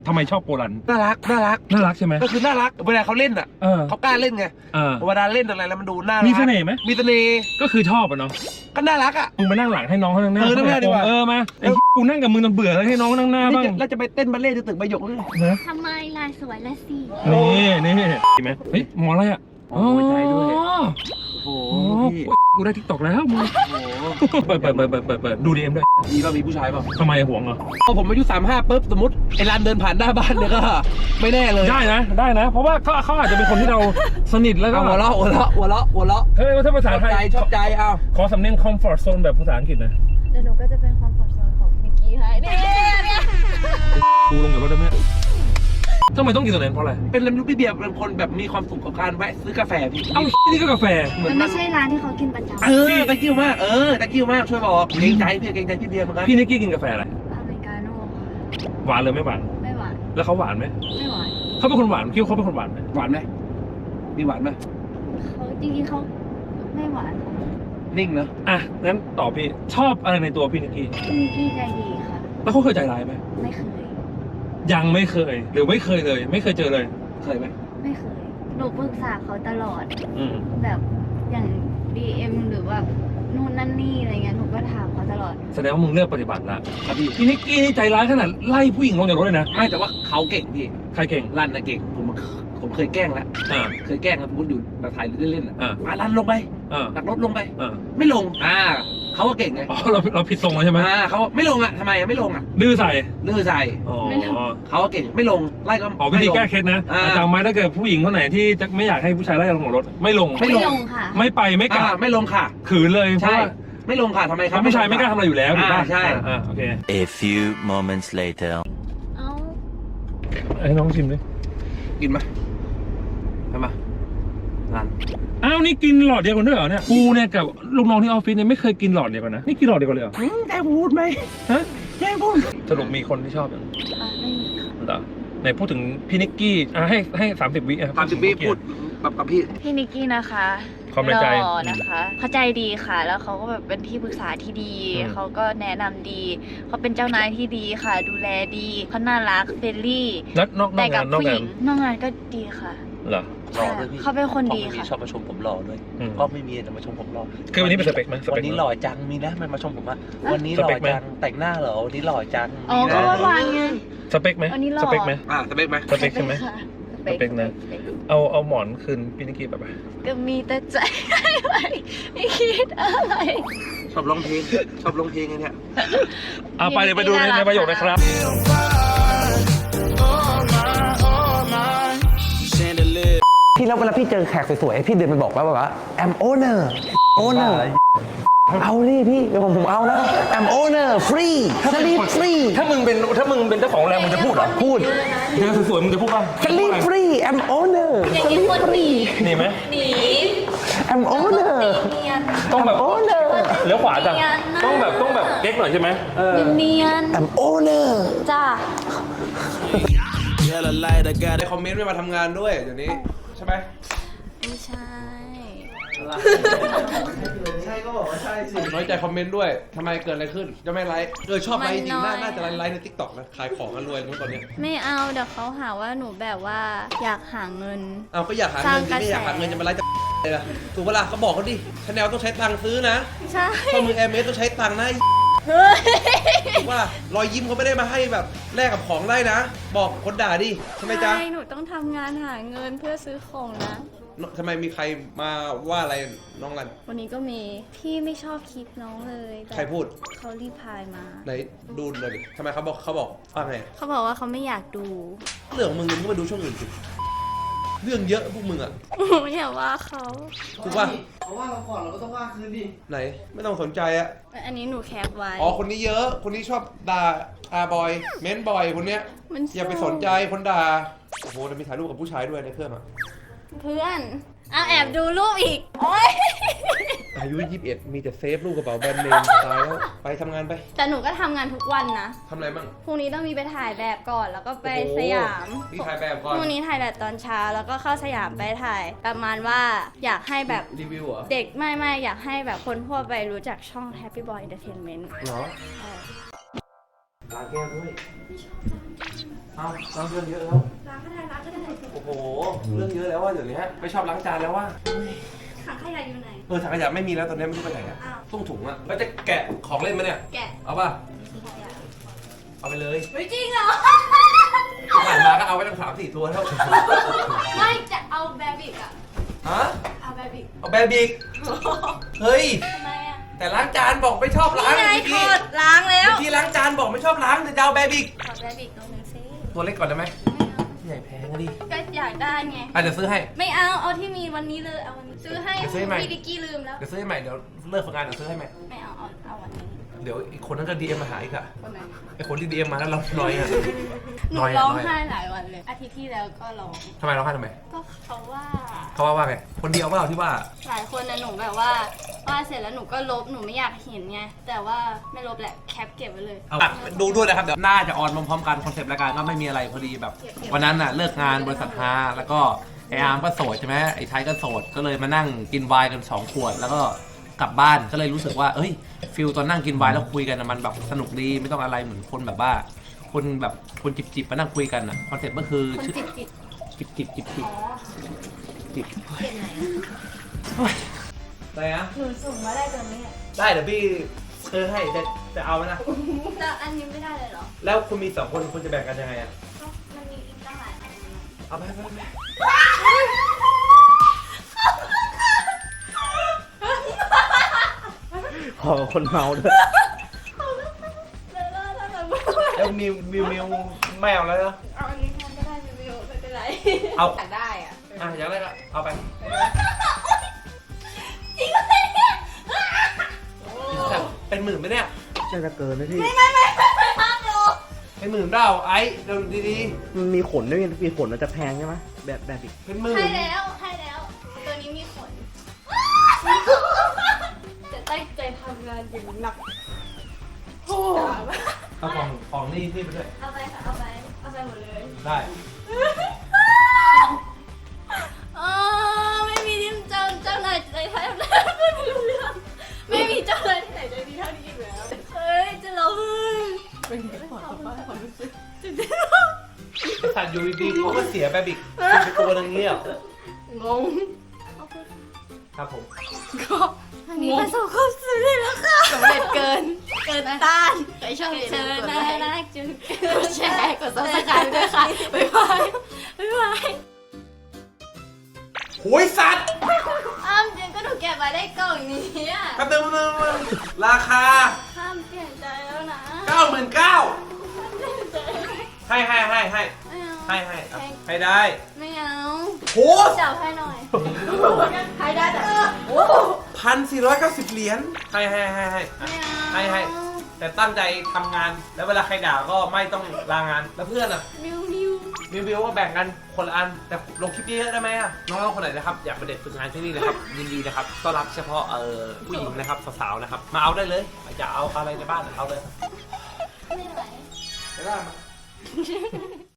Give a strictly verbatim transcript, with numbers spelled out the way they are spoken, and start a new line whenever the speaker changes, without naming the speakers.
ทำไมชอบโปลัน
น่ารักน่ารัก
น่ารักใช่ไหม
ก็คือน่ารักเวลาเขาเล่นอ่ะ
เออ
เขากล้าเล่นไง
เออ
เวลาเล่นอะไรแล้วมันดูน่ารัก
มีเสน่ห์ไหม
มีเสน่ห์
ก็คือชอบอ่ะเนาะ
ก็น่ารักอ่ะ
มึงมานั่งหลังให้น้องเขานั่งหน้า
เออนั่งหน้าดีกว่า
เออมาไอ้กูนั่งกับมึงจนเบื่อแล้วให้น้องนั่งหน้าบ้าง
แล้วจะไปเต้นบัลเล่ต์ที่ตึกใบหยกเลย
นะ
ทำไมลายสวยละสิ
นี่นี่เห็นไหมเฮ้ยหมออะไรอ่ะ
โอ้ยใจด้วยโอ้โห
โอ้โหกูได้ทิกตอกแล้วมึง
โอ้โห
เปิดเปิดเปิดเปิดเปิดเปิดดูดีเอ็มด้วย
มีป่ะมีผู้ชายป่ะ
ทำไมห่วงเหรอ
พอผมอายุสามห้าปุ๊บสมมติไอ้ร้านเดินผ่านหน้าบ้านเนี่ยก็ไม่แน่เลย
ได้นะได้นะ เพราะว่าเขาเขาอาจจะเป็นคนที่เราสนิทแล้วก็
เอาหัวเราะหัวเราะหัวเราะหัวเราะ
เฮ้ยถ้าภา
ช
ษา
อบ
ไท
ใจ
ย
ชอบใจเอา
ขอสำเนียง comfort zone แบบภาษาอังกฤษหนะ
เดี๋ยวหนูก็จะเป็นความฝันโซนของนิกกี้ให้เนี่ยเนี่ย
กูลงกับรถได้ไหมทำไมต้องกินตัวนั้นเพราะอะไร
เป็นลำลูกพี่เบียร์เป็นคนแบบมีความสุขกับการแวะซื้อกาแฟพี่
เอ้านี่ก็กาแฟ
เหมือน
มันไม่ใช่ร้านที่เขากินประจำ
เออตะกิ้วมากเออตะกิ้วมากช่วยบอกเกรงใจพี่เกรงใจพี่เบียร์เหมือนกัน
พี่นิกกี้กินกาแฟอะไร
อเมริกาโน่ค่ะ
หวานเลยไม่หวาน
ไม่หวาน
แล้วเขาหวานไหม
ไม่หวาน
เขาเป็นคนหวานคิดว่าเขาเป็นคนหวานไหม
หวานไหมมีหวานไหม
เขาจริงๆเขาไม่หวานค่ะ
นิ่งเนอะ
อ่ะงั้นตอบพี่ชอบอะไรในตัวพี่นิกกี้
พี่นิกกี้ใจดีค่ะ
แล้วเขาเคยใจร้ายไหม
ไม่เคย
ยังไม่เคย หรือไม่เคยเลย ไม่เคยเจอเลย
เคยไหม
ไม่เคย หนูปรึกษาเขาตลอด
อืม
แบบอย่าง ดี เอ็ม หรือว่านู่นนั่นนี่อะไรเงี้ย หนูก็ถามเขาตลอด
แสดงว่ามึงเลือกปฏิบัติละ
ครับพี่
พี่นิกกี้นี่ใจร้ายขนาดไล่ผู้หญิงลงจากรถเลยนะ
ไม่แต่ว่าเขาเก่งพี่
ใครเก่ง
รันนะเก่งผมผมเคยแกล้งแล้ว
อ่า
เคยแกล้งแล้วสมมติอยู่แบบถ่ายเล่นๆอ่ะ
อ่า
มารันลงไป
อ่า
ตักรถลงไป
อ่า
ไม่ลงอ่าเขาก็เก่งไง
อ๋อเราเราผิดทรงแล้วใช่ไหม
อ่าเขาไม่ลงอ่ะทำไมอ่ะไม่ลงอ่ะ
ดื้อใส่
ดื้อใส่
อ๋อ
ไม่ลง
เขาก็เก่งไม่ลงไล่ก็
อ๋อวิธี
ไม่ลง
แก้เคล็ดนะ
อ่า
จำไว้ถ้าเกิดผู้หญิงคนไหนที่จะไม่อยากให้ผู้ชายไล่ลงจากรถ ไม่ลง
ไม่
ไม่
ลง
ลงค่ะ
ไม่ไปไม่ก
อ่า
ลับ
ไม่ลงค่ะ
ขืนเลยเพราะ
ใช่
ว่า
ไม่ลงค่ะทำไมค
เพ
รับ
ราะผู้ชายไม่กล้าทำอะไรอยู่แล้วถูกป่ะ
อ่าใช่
อ่าโอเค
A few moments later.
เอ้า
ให้น้องชิมดิ
กินไหมทำไมรัน
อ้าวนี่กินหลอดเดียวกันด้วยเหรอเนี่ยกูเนี่ยกับลูกน้องที่ออฟฟิศเนี่ยไม่เคยกินหลอดเดียวกันนะนี่กินหลอดเดียวกันเลยเหรอ
แกพูดไหม
ฮะ
แกพูด
สรุปมีคนที่ชอบอย่าง
อ่ะไม่มีค่ะ
เหรอไหนพูดถึงพี่นิกกี้อ่ะให้ให้สามสิบวิอ่ะ
ตามสิบวิพูดแบบกับพี่
พี่นิกกี้นะคะ
ความในใจ
หล่อนะคะเขาใจดีค่ะ แล้วเขาก็แบบเป็นที่ปรึกษาที่ดี
อืม
เขาก็แนะนำดี เขาเป็นเจ้านายที่ดีค่ะ ดูแลดีเขาน่ารักเฟรนลี่
แล้วนอกนอ
แต่
ก
กั
งา
บ
นนอก
ผู้ห
งา
ญิ
น
งนอกงานก็ดีค่ะ
เหรอ
หล่อด้วยพี่
เขาเป็นคนดี
พ่อไม่มี
ค่ะ
ชอบมาชมผมหล่อด้วย
อืม
ก็ไม่มีแต่มาชมผมหล่อ
คือวันนี้เป็นสเปคไหมสเป
วั
คน
นี้หล่อจังมีนะมันมาชมผมว่า
อ่ะ
วันนี้ห
ส
ล่อ
เปคไหม
จังแต่งหน้าเหรอวันนี้หล่อจัง
อ๋อ
มี
ก็
นะ
เมื่อวานไง
สเปคไหม
วันนี้หล่อ
สเปคไหม
อ่าสเปคไหม
สเปคใช่ไหม
ค่ะ
สเปคนะ
สเปค
เอาเอาหมอนคืนพี่นิกกี้แบบ
ก็มีแต่ใจให้ไปไม่คิดอะไร
ชอบร้องเพลงชอบร้องเพลงไงเนี่ย
เอาไปเดี๋ยวไปดูในในประโยคนะครับ
พี่แล้วเวลาพี่เจอแขกสวยๆพี่เดินไปบอกว่าแบบว่า I'm owner owner เอาดิพี่เดี๋ยวผมผมเอาแล้ว I'm owner free sleep free
ถ้ามึงเป็นถ้ามึงเป็นเจ้าของโรงแรมมึงจะพูดเหรอ
พูด
เจอสวยๆมึงจะพูดป่ะ
sleep free I'm owner
อย่างนี้คนหนี
หนีไหม
หนี
I'm owner
เนียน
ต้องแบบ
owner
เลี้ยวขวาจ้ะ
เนียนนะ
ต้องแบบต้องแบบเก๊กหน่อยใช่ไหมเออ
เนียน
I'm owner
จ้า
ในคอมเมนต์ไม่มาทำงานด้วยเดี๋ยวนี้ใช่ไหม
ไม่ใช่
ใช่ก็บอกว่าใช่สิน้อยใจคอมเมนต์ด้วยทำไมเกิดอะไรขึ้นจะไม่ไลฟ์เออชอบไลฟ์จริงๆน่าน่าจะไลฟ์ไลฟ์ในทิกตอกนะขายของกันรวยรู้ตอนเนี้ย
ไม่เอาเดี๋ยวเขาหาว่าหนูแบบว่าอยากหาเงิน
เอาก็อยากหาเงินสิไม่อยากหาเงินจะมาไลฟ์จะเลยล่ะถูกเวลาเขาบอกเขาดิชาแนลต้องใช้ตังค์ซื้อนะ
ใช่
ข้อมือแอร์เมสต้องใช้ตังค์นะ
เฮ้ย
ถูกว่ารอยยิ้มเขาไม่ได้มาให้แบบแลกกับของได้นะ บอกคนด่าดิใช่ไหมจ๊ะ
ใช่หนูต้องทำงานหาเงินเพื่อซื้อของนะ
ทำไมมีใครมาว่าอะไรน้องรัน
วันนี้ก็มีพี่ไม่ชอบคลิปน้องเลยแต่
ใครพูด
เขารีพายมา
ไหนดูเลยดิทำไมเขาบอกเขาบอกว่าไง
เขาบอกว่าเขาไม่อยากดู
เรื่องของมึงมึงก็มาดูช่องอื่นสิเรื่องเยอะพวกมึงอ่ะ
อย่าว่าเขา
ถูกป่ะ
เขาว่าเราก่อนเราก็ต้องว่าคืนดิ
ไหนไม่ต้องสนใจอะ
อันนี้หนูแคปไว้
อ๋อคนนี้เยอะคนนี้ชอบด่าอาบอยเม้นบอยคนเนี้ย
มัน
อย่าไปสนใจคนด่าโอ้โหแต่มีถ่ายรูปกับผู้ชายด้วยในเครื่องอะ
เพื่อนเอาแอบดูรูปอีกโอ๊ย
อายุยี่สิบเอ็ดมีแต่เซฟลูกกระเป๋าแบรนด์เนมตายแล้วไปทำงานไป
แต่หนูก็ทำงานทุกวันนะ
ทำอะไรบ้าง
พรุ่งนี้ต้องมีไปถ่ายแบบก่อนแล้วก็ไป
โอ้โห
สยาม
นี่ถ่ายแบบก่อน
พรุ่งนี้ถ่ายแบบตอนเช้าแล้วก็เข้าสยามไปถ่าย ประมาณว่าอยากให้แบบ
รีวิวเหรอ
เด็กไม่ไม่อยากให้แบบคนทั่วไปรู้จักช่อง Happy Boy Entertainment
เหรอ
ล้างแก้วด้วยเอาล้างเรื่องเยอะแล้ว
ล้างก็ได้ล้างก็ได้
โอ้โห เรื่องเยอะแล้วว่าเดี๋ยวนี้ไม่ชอบล้างจานแล้วว่า
ถังขยะอยู่ไหน
เออถังขยะไม่มีแล้วตอนนี้ไม่รู้ไปไหนอะ
อ้าว
ต้องถุงอะแล้วจะแกะของเล่นมาเนี่ย
แกะ
เอาป่ะ
ถังขยะ
เอาไปเลย
ไม่จริงเหรอ
ผ่านมาก็เอาไว้ตั้งสามสี่ตัวแล้ว
ไม่จะเอาแบบิกอะ
ฮะ
เอาแบบิก
เอาแบบิกเฮ้ย
ทำไมอะ
แต่ล้างจานบอกไม่ชอบล้าง
นี่ไง
เมื่อ
ถ
กี้
อดล้างแล้ว
เมื่อกี้ล้างจานบอกไม่ชอบล้างแต่จะเอาแบบิก
ถอดแบบิกตรงนึงสิ
ตัวเล็กก่อนได้ไหม
ไม่เอา
ใหญ่แพงอะดิ
ก็อยากได้ไง
อ่ะเดี๋ยวซื้อให้
ไม่เอา เอาที่มีวันนี้เลย เอาวันนี้ซื้อให้
เดี๋ยวซื้อให้ใหม่
พี่ดิกกี้ลืมแล้ว
เดี๋ยวซื้อให้ใหม่เดี๋ยวเลิกฝึกงานเดี๋ยวซื้อให้ใหม่
ไม่เอา เอาเอาวันนี้
เดี๋ยวอีกคนนั้นก็ดีเอ็มมาหาอีกอะ
วันไหน
ไอคนที่ดีเอ็มมาแล้วเราน้อยอะ
หนู
น้อยอะ
ร้อง
น้อยอะ
ไห้หลายวันเลย อาทิตย์ที่แล้วก็ร้อง
ทำไมร้องไห้ทำไม
ก็เขาว่า
เขาว่าว่าไงคนเดียวว่าเราที่ว่า
หลายคนนะหนูแบบว่าว่าเสร็จแล้วหนูก็ลบหนูไม่อยากเห็นไงแต่ว่าไม่ลบแหละแคปเก็บไว้เลย
เอาดูด้วยนะครับเดี๋ยวน่าจะออนพร้อมๆกันคอนเซปต์รายการก็ไม่มีอะไรพอดีแบบ วันนั้นน่ะเลิกงานบริษัทฮาแล้วก็ไออาร์มก็โสดใช่ไหมไอไทยก็โสดก็เลยมานั่งกินไวน์กันสองขวด แล้วก็กลับบ้านก็เลยรู้สึกว่าเอ้ยฟิลตอนนั่งกินไวน์แล้วคุยกันน่ะมันแบบสนุกดีไม่ต้องอะไรเหมือนคนแบบว่า คนแบบคนจิบๆมานั่งคุยกันอ่ะคอนเซ็ปต์ก็คือ
คน
ชื่อ
จิตจิต
จิบจิบจิบจิบ
อ๋อ
จิบ
เก็บไหน
อะไรนะ
หนูส่งมาได้ตัวนี้อะ
ได้เดี๋ยวพี่ซื้อให้จะจะเอาไหมนะ
แต่อันนี้ไม่ได้เลยเหรอ
แล้วคุณมีสองคนคุณจะแบ่งกันยังไงอ่ะ
ก็มันมีอีกตั้งหลายอันนะ
เอาไปไปไป
ขอคนเมาด้วย
แล้วแล้วแล้วแล้ว
แล้วมิวมิวมิวไม่เอาแล้วเนอะ
เอาอันนี้แทนก็ได้ไม่เป็นไม่เป็นไร
เอา
อยากได้อ่ะ
อ่ะอยากได้ก็เอาไป
จริงไหมเนี่ย
เป็นหมื่นไหมเนี่ย
น่าจะเกินนะพี่
ไม่ไม่ไม่ไม่ห้ามอยู่
เป็นหมื่นเปล่าไอ้เดี๋ยวดี
มันมีขนด้วยมีขนมันจะแพงใช่ไหมแบบแบบอีก
ๆเป็นหมื่น
ให้แล้วให้แล้ว ตัวนี้มีขนจะตั้งใจทำงานอย่างหนัก
เอาของของนี่นี่ไปด้วย
เอาไปค่ะเอาไปเอาไปหมดเลย
ได้
อ๋อไม่มีที่เจ้าเจ้านายใจไทยแล้วไม่รู้เรื่องไม่มีเจ้านายที่ไหนใจดีเท่านี้อีกแล้วเฮ้ยจะร้องไห้เป็นไงขอสัมภาษณ์ความรู้สึกจริง
ไอ้สัตว์อยู่ดีๆเขาก็เสียแบบอีกเป็นตัวนึงเงี้ย
ๆงง
ครับผม
ก็อันนี้ประสบความสำเร็จแล้วค่ะสำเร็จเกิน เกินต้านใครชอบเชิญนะนะจุดกดแชร์กดซับสไครต์ด้วยค่ะบ๊ายบายบ๊ายบาย
โหยสัตว์
อ้ามจริงก็หนูเก็บไว้ได้กล่องนี้อ่ะ
กระเติมเติมราคา
ห้ามเปลี่ยนใจแล้วนะ
เก้าหมื่นเก้าให้ให้ให้ให้
ไม่เอา
ให้ให้อ่ะให้ได้
ไม่เอา
โห
จับให้หน่อยให้ได้แต่โอ้
พันสี่ร้อยเก้าสิบเหรียญให้ให้ให้ให้
ไม่เอา
ให้ให้แต่ตั้งใจทำงานแล้วเวลาใครด่าก็ไม่ต้องลางานแล้วเพื่อนอ่ะ
มิวมิว
รีวิวก็แบ่งกันคนละอันแต่ลงคลิปเยอะๆได้ไหมอ่ะน้องๆคนไหนนะครับอยากมาเด็กฝึกงานที่นี่นะครับ ยินดีนะครับต้อนรับเฉพาะเอ่อผู้หญิงนะครับสาวๆนะครับมาเอาได้เลยอยากเอาอะไรในบ้านเอาเลย
ไม่ไหว
ได้ไหม